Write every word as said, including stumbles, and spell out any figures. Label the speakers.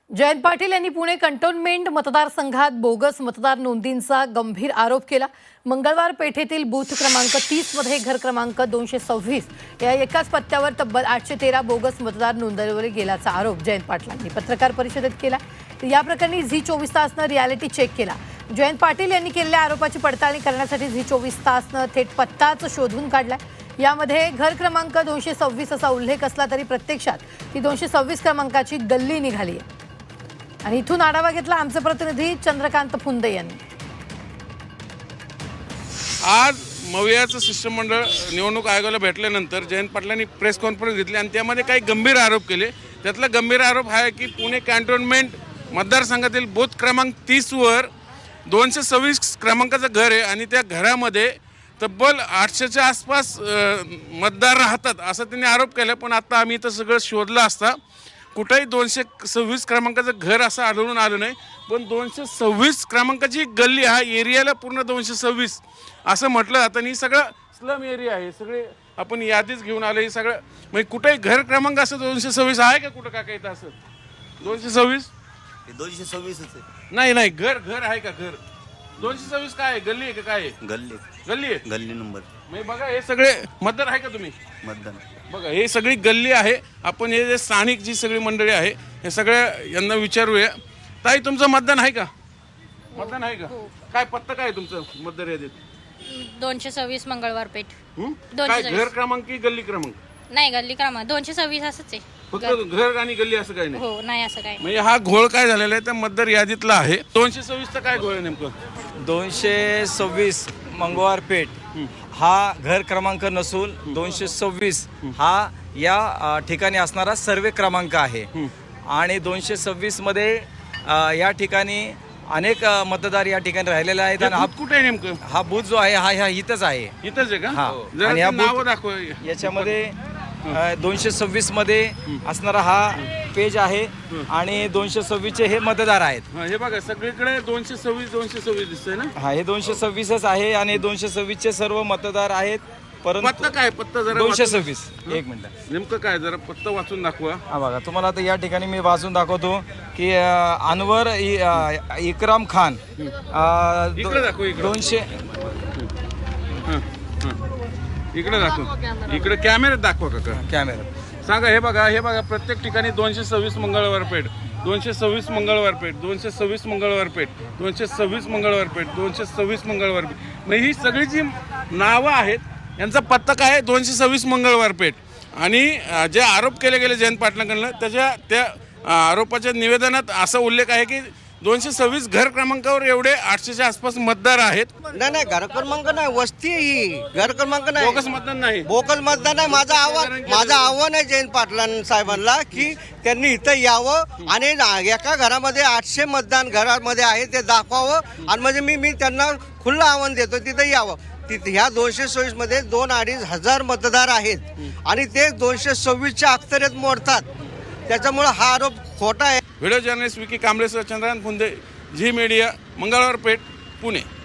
Speaker 1: जयंत पाटील यांनी पुणे कंटोन्मेंट मतदारसंघात बोगस मतदार नोंदींचा गंभीर आरोप केला। मंगळवार पेठेतील बूथ क्रमांक तीस मध्ये घर क्रमांक दोनशे सव्वीस या एकाच पत्त्यावर तब्बल आठशे तेरा बोगस मतदार नोंदवले गेल्याचा आरोप जयंत पाटलांनी पत्रकार परिषदेत केला। या प्रकरणी झी चोवीस तासनं रियालिटी चेक केला। जयंत पाटील यांनी केलेल्या आरोपाची पडताळणी करण्यासाठी झी चोवीस तासनं थेट पत्ताच शोधून काढलाय। यामध्ये घर क्रमांक दोनशे सव्वीस असा उल्लेख असला तरी प्रत्यक्षात ती दोनशे सव्वीस क्रमांकाची गल्ली निघाली आहे। आणि इथून आढावा घेतला आमचे प्रतिनिधी चंद्रकांत फुंदे यांनी।
Speaker 2: आज मवियाचं शिष्टमंडळ निवडणूक आयोगाला भेटल्यानंतर जयंत पाटलांनी प्रेस कॉन्फरन्स घेतली आणि त्यामध्ये काही गंभीर आरोप केले। त्यातला गंभीर आरोप हा आहे की पुणे कॅन्टोन्मेंट मतदारसंघातील बूथ क्रमांक तीस वर दोनशे सव्वीस क्रमांकाचं घर आहे आणि त्या घरामध्ये तब्बल आठशेच्या आसपास मतदार राहतात असं त्यांनी आरोप केला। पण आता आम्ही इथं सगळं शोधलं असता कुठेही दोनशे सव्वीस क्रमांकाचं घर असं आढळून आलं नाही। पण दोनशे सव्वीस क्रमांकाची गल्ली हा एरियाला पूर्ण दोनशे सव्वीस असं म्हटलं जातं। आणि सगळं स्लम एरिया आहे, सगळे आपण यादीच घेऊन आलो। हे सगळं म्हणजे कुठेही घर क्रमांक असं दोनशे सव्वीस आहे का कुठं का काही तर असं दोनशे सव्वीस
Speaker 3: दोनशे सव्वीसच आहे।
Speaker 2: नाही नाही घर घर आहे का घर दोनशे सव्वीस काय आहे गल्ली आहे का काय आहे?
Speaker 3: गल्ली
Speaker 2: गल्ली आहे
Speaker 3: गल्ली नंबर
Speaker 2: म्हणजे बघा हे सगळे मतदार आहे का तुम्ही
Speaker 3: मतदान
Speaker 2: बघा हे सगळी गल्ली आहे। आपण हे जे स्थानिक जी सगळी मंडळी आहे हे सगळ्या यांना विचारूया। ताई तुमचं मतदान आहे का? मतदान आहे का? काय पत्ता काय आहे तुमचं मतदार यादीत?
Speaker 4: दोनशे सव्वीस मंगळवार पेठ
Speaker 2: हं?
Speaker 4: दोनशे
Speaker 2: काय
Speaker 4: सव्वीस.
Speaker 2: घर क्रमांक की गल्ली क्रमांक?
Speaker 4: नाही गल्ली क्रमांक दोनशे सव्वीस असंच आहे।
Speaker 2: फक्त घर आणि गल्ली असं काही नाही
Speaker 4: हो नाही असं काय
Speaker 2: म्हणजे हा घोळ काय झालेला आहे त्या मतदार यादीतला आहे। दोनशे सव्वीसचा काय घोळ आहे नेमकं?
Speaker 5: दोनशे सव्वीस मंगळवार पेठ हा घर क्रमांक नसून दोनशे सव्वीस हा या अ, ठिकाणी असणारा सर्वे क्रमांक आहे। आणि दोनशे सव्वीस मध्ये अ, या ठिकाणी अनेक अ, मतदार या ठिकाणी राहिलेले आहेत आणि हा
Speaker 2: बूथ कुठे आहे नेमकं?
Speaker 5: हा बूथ जो आहे हा ह्या इथंच आहे।
Speaker 2: इथंच आहे का?
Speaker 5: हा.
Speaker 2: जरा
Speaker 5: आणि ह्या
Speaker 2: ते नावं
Speaker 5: बूथ-
Speaker 2: दाखवा
Speaker 5: याच्यामध्ये दोनशे सव्वीस मध्ये असणारा हा पेज आहे आणि दोनशे सव्वीसचे हे मतदार आहेत।
Speaker 2: हा, हे बघा सगळीकडे दोनशे सव्वीस दोनशे सव्वीस दिसतंय ना।
Speaker 5: हा हे दोनशे सव्वीसच आहे आणि दोनशे सव्वीसचे सर्व मतदार आहेत।
Speaker 2: पत्ता
Speaker 5: परंतु
Speaker 2: काय पत्ता जरा
Speaker 5: दोनशे
Speaker 2: वाचून-
Speaker 5: सव्वीस एक मिनिट
Speaker 2: नेमकं काय जरा पत्ता वाचून दाखवा।
Speaker 5: हा बघा तुम्हाला आता या ठिकाणी मी वाचून दाखवतो की अ, अनवर इ- अ, इकराम खान अ, दो-
Speaker 2: इकडे दाखव, इकडे.
Speaker 5: दोनशे
Speaker 2: हं, हं. इकडे दाखव इकडे कॅमेऱ्यात दाखवा काका
Speaker 5: कॅमेरा
Speaker 2: सांगा। हे बघा हे बघा प्रत्येक ठिकाणी दोनशे सव्वीस मंगळवार पेठ दोनशे सव्वीस मंगळवार पेठ दोनशे सव्वीस मंगळवार पेठ दोनशे सव्वीस मंगळवार पेठ दोनशे सव्वीस मंगळवार पेठ म्हणजे ही सगळी जी नावं आहेत यांचा पत्ता काय आहे? दोनशे सव्वीस मंगळवार पेठ। आणि अं, जे आरोप केले गेले जयंत पाटलांकडनं त्याच्या त्या अं, आरोपाच्या निवेदनात असा उल्लेख आहे की दोनशे सव्वीस घर क्रमांकावर एवढे आठशेच्या आसपास मतदार आहेत।
Speaker 6: नाही नाही घर क्रमांक नाही वस्ती आहे ही घर क्रमांक नाही
Speaker 2: बोगस मतदान नाही
Speaker 6: बोकल मतदान आहे। माझं आव्हान माझं आव्हान आहे जयंत पाटलां साहेबांना की त्यांनी इथं यावं आणि ना- एका घरामध्ये आठशे मतदान घरामध्ये आहे ते दाखवावं आणि म्हणजे मी मी त्यांना खुलं आव्हान देतो तिथं यावं। तिथे ह्या दोनशे सव्वीस मध्ये दोन अडीच हजार मतदार आहेत आणि ते दोनशे सव्वीसच्या अक्षरेत मोडतात त्याच्यामुळे हा आरोप खोटा आहे।
Speaker 2: व्हिडिओ जर्नलिस्ट विकी कांबळेसह चंद्रकांत फुंदे, झी मीडिया, मंगळवार पेठ, पुणे।